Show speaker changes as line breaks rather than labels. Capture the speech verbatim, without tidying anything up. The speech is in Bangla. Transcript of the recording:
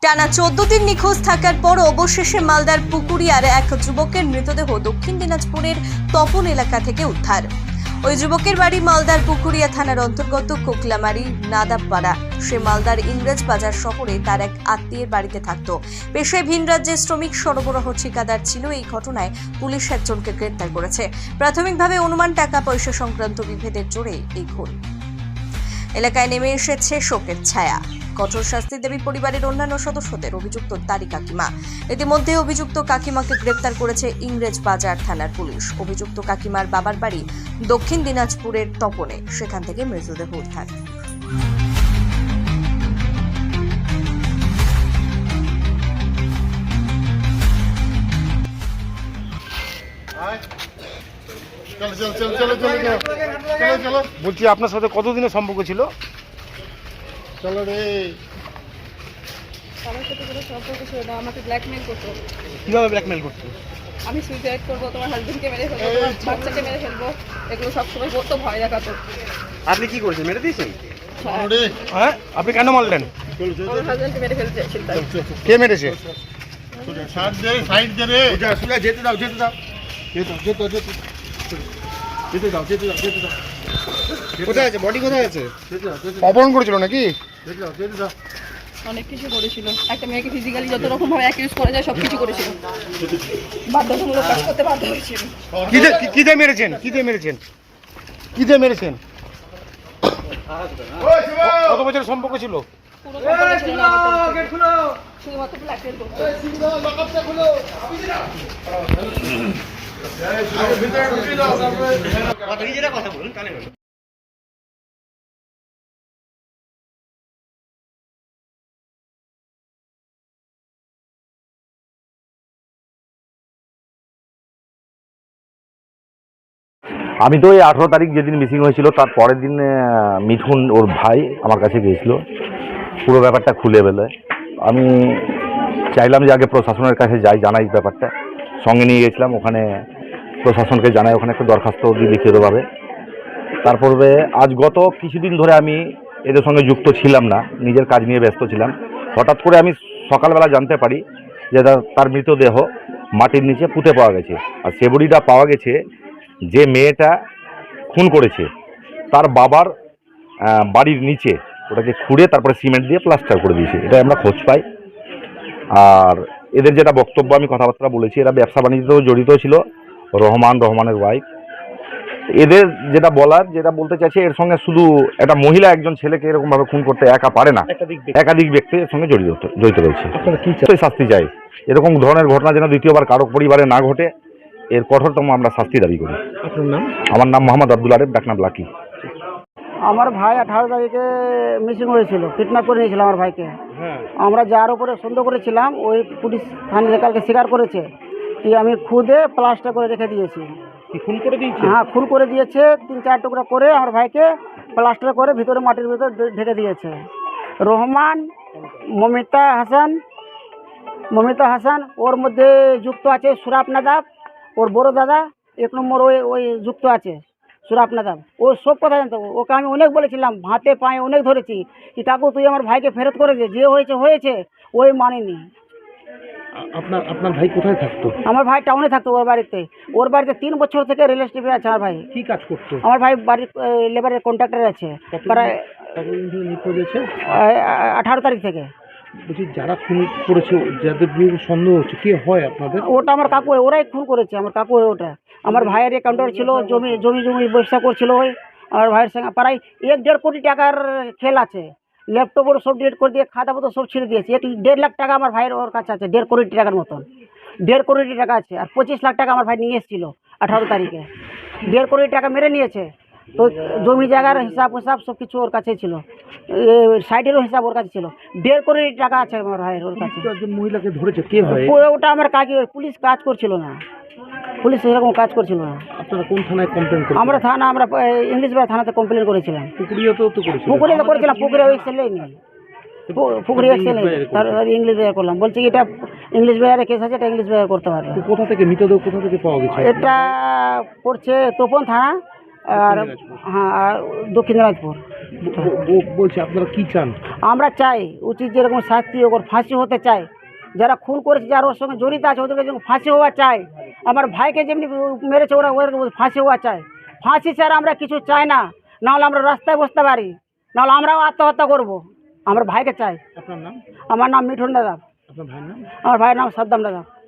টানা চোদ্দ দিন নিখোঁজ থাকার পর অবশেষে মালদার পুকুরিয়ার এক যুবকের মৃতদেহ দক্ষিণ দিনাজপুরের তপন এলাকা থেকে উদ্ধার। ওই যুবকের বাড়ি মালদার পুকুরিয়া থানার অন্তর্গত কোকলামারি নাদাবপাড়া। সে মালদার ইংরেজ বাজার শহরে তার এক আত্মীয়ের বাড়িতে থাকত। পেশায় ভিন রাজ্যের শ্রমিক সরবরাহ ঠিকাদার ছিল। এই ঘটনায় পুলিশ একজনকে গ্রেপ্তার করেছে। প্রাথমিকভাবে অনুমান টাকা পয়সা সংক্রান্ত বিভেদের জোরে এই খুন। এলাকায় নেমে এসেছে শোকের ছায়া। কঠোর শাস্তি দেবী পরিবারের অন্যান্য সদস্যদের, অভিযুক্ত তারি কাকিমা। ইতিমধ্যে অভিযুক্ত কাকিমাকে গ্রেপ্তার করেছে ইংরেজ বাজার থানার পুলিশ। অভিযুক্ত কাকিমার বাবার বাড়ি দক্ষিণ দিনাজপুরের তপনে, সেখান থেকে মৃতদেহ উদ্ধার।
বলছি আপনার সাথে কতদিনের সম্পর্ক ছিল?
চলো রে।
আমার সাথে কোনো সম্পর্ক ছিল না, আমাকে ব্ল্যাকমেল করতো।
কিভাবে ব্ল্যাকমেল করতে?
আমি সুইসাইড করবো, তোমার হাজবেন্ডকে মেরে ফেলবো, তোমার বাচ্চাকে মেরে ফেলবো, এগুলো সবসময় বলতো, ভয় দেখাতো।
আপনি কি করেছেন? মেরে দিয়েছেন?
চলো রে।
হ্যাঁ, আপনি কেন মারলেন?
আমার হাজবেন্ডকে মেরে ফেলতে চাইছিল।
কে মেরেছে?
সাইড দে, সাইড দে রে।
সোজা সোজা যেতে দাও, যেতে দাও,
যেতে যেতে যেতে
যেতে দাও, যেতে দাও, যেতে দাও।
কোথায় আছে? বডি কোথায় আছে?
যেতে দাও, যেতে দাও,
অপহরণ করেছিল নাকি?
যেতে দাও, যেতে দাও।
অনেক কিছু করেছিল, একটা মেয়েকে ফিজিক্যালি যত রকম ভাবে অ্যাকিউজ করা যায় সব কিছু করেছিল। বাধ্যতামূলক কাজ করতে বাধ্য হয়েছিল।
কি দিয়ে কি- কি দিয়ে মেরেছেন? কি দিয়ে মেরেছেন? কি দিয়ে মেরেছেন? কত বছরের সম্পর্ক ছিল?
পুরো সম্পর্ক ছিল না আমাদের সাথে। শুধুমাত্র ব্ল্যাকমেল করতো।
আমি তো এই আঠেরো তারিখ যেদিন মিসিং হয়েছিল তার পরের দিন আহ, মিঠুন ওর ভাই আমার কাছে গিয়েছিল পুরো ব্যাপারটা খুলে বেলে। আমি চাইলাম যে আগে প্রশাসনের কাছে যাই, জানাই ব্যাপারটা। সঙ্গে নিয়ে গেছিলাম, ওখানে প্রশাসনকে জানাই, ওখানে একটা দরখাস্ত দিই লিখিতভাবে। তারপরে আজ গত কিছুদিন ধরে আমি এদের সঙ্গে যুক্ত ছিলাম না, নিজের কাজ নিয়ে ব্যস্ত ছিলাম। হঠাৎ করে আমি সকালবেলা জানতে পারি যে তার- তার মৃতদেহ মাটির নিচে পুঁতে পাওয়া গেছে। আর সে বডিটা পাওয়া গেছে যে মেয়েটা খুন করেছে তার বাবার আহ, বাড়ির নিচে, ওটাকে খুঁড়ে তারপরে সিমেন্ট দিয়ে প্লাস্টার করে দিয়েছে। এটা আমরা খোঁজ পাই। আর এদের যেটা বক্তব্য, আমি কথাবার্তা বলেছি, এরা ব্যবসা বাণিজ্যতেও জড়িত ছিল। রহমান, রহমানের ওয়াইফ। এদের যেটা বলার, যেটা বলতে চাইছে, এর সঙ্গে শুধু একটা মহিলা একজন ছেলেকে এরকমভাবে খুন করতে একা পারে না, একাধিক ব্যক্তি এর সঙ্গে জড়িত জড়িত রয়েছে। নিশ্চয়ই শাস্তি চাই। এরকম ধরনের ঘটনা যেন দ্বিতীয়বার কারো পরিবারে না ঘটে, এর কঠোরতম আমরা শাস্তি দাবি করি।
আপনার নাম?
আমার নাম মোহাম্মদ আব্দুল আরেফ, ডাকনাম লাকি।
আমার ভাই আঠারো তারিখে মিসিং হয়েছিল, কিডন্যাপ করে নিয়েছিল আমার ভাইকে।
হ্যাঁ।
আমরা যার উপরে সন্দেহ করেছিলাম ওই পুলিশ থানায় কালকে স্বীকার করেছে কি আমি খুদে প্লাস্টার করে রেখে দিয়েছি।
কি খুন করে দিয়েছে?
হ্যাঁ, খুন করে দিয়েছে। তিন চার টুকরা করে আমার ভাইকে প্লাস্টার করে ভিতরে মাটির ভিতরে ঢে- ঢেকে দিয়েছে। রহমান, মমিতা হাসান, মমিতা হাসান ওর মধ্যে যুক্ত আছে সুরাপ নাদাব, ওর বড় দাদা এক নম্বর ওই ওই যুক্ত আছে সুরাপ নাদাব। ও সব কথা জানতো। ওকে আমি অনেক বলেছিলাম, হাতে পায়ে অনেক ধরেছি কি কাকু তুই আমার ভাইকে ফেরত করে দে, যে হয়েছে হয়েছে। ওই মানেনি।
আপনার আপনার ভাই কোথায় থাকতো?
আমার ভাই টাউনে থাকতো, ওর বাড়িতে। ওর বাড়িতে তিন বছর থেকে রিলেশনশিপে আছে আমার ভাই।
কি কাজ করতো?
আমার ভাই বাড়ির লেবারের কন্ট্রাক্টর আছে প্রায়
কতদিন ধরে নিখোঁজ হয়েছে?
আহ, আঠারো তারিখ থেকে।
বলছি যারা খুন করেছে, যাদের বিরুদ্ধে সন্দেহ হচ্ছে, কে হয় আপনাদের?
ওটা আমার কাকু, ওরাই খুন করেছে। আমার কাকু ওটা আমার ভাইয়ের অ্যাকাউন্টার ছিল, জমি জমি জমি ব্যবসা করছিল। ওই আমার ভাইয়ের সঙ্গে প্রায় এক দেড় কোটি টাকার খেল আছে। ল্যাপটপ ওর সব ডিলিট করে দিয়ে খাতা পত্র সব ছেড়ে দিয়েছে। এক দেড় লাখ টাকা আমার ভাইয়ের ওর কাছে আছে, দেড় কোটি টাকার মতন। দেড় কোটি টাকা আছে। আর পঁচিশ লাখ টাকা আমার ভাই নিয়ে এসেছিল আঠারো তারিখে। দেড় কোটি টাকা মেরে নিয়েছে। তো জমি জায়গার হিসাব হিসাব সব কিছু ওর কাছে ছিল, সাইডেরও হিসাব ওর কাছে ছিল। দেড় কোটি টাকা আছে আমার ভাইয়ের ওর কাছে।
একজন মহিলাকে ধরেছে, কে হয়?
ও- ওটা আমার কাজ, পুলিশ কাজ করছিল না, পুলিশ সেরকম কাজ করছিল না।
আপনারা কোন থানায় কমপ্লেন করেন?
আমরা থানা আমরা আহ, ইংলিশ বাজার থানাতে কমপ্লেন করেছিলাম।
পুকুরিয়াতেও তো করেছে।
পুকুরে তো করেছিলাম, পুকুরে ওই সেলেই নেই, পুকুরে এক সেলেই নেই। তার ইংলিশ বাজার করলাম, বলছি কি এটা ইংলিশ বাজারে কেস আছে, এটা ইংলিশ বাজার করতে পারবে।
কোথা থেকে মৃতদেহ কোথা থেকে পাওয়া গেছে?
এটা পড়ছে তোপন থানা, আর
দিনাজপুর।
হ্যাঁ আর দক্ষিণ দিনাজপুর।
ব- ব- বলছি আপনারা কি চান?
আমরা চাই উচিত যেরকম শাস্তি ওর ফাঁসি হতে চাই, যারা খুন করেছে যারা ওর সঙ্গে জড়িত আছে ওদেরকে যেরকম ফাঁসি হওয়া চাই, আমার ভাইকে যেমনি মেরেছে ওরা ওর ফাঁসি হওয়া চাই। ফাঁসি ছাড়া আমরা কিছু চাই না, নাহলে আমরা রাস্তায় বসতে পারি, নাহলে আমরাও আত্মহত্যা করব। আমার ভাইকে চাই।
আপনার নাম?
আমার নাম মিঠুন দাদা,
আপনার ভাইয়ের নাম?
আমার ভাইয়ের নাম সাদ্দাম দাদা।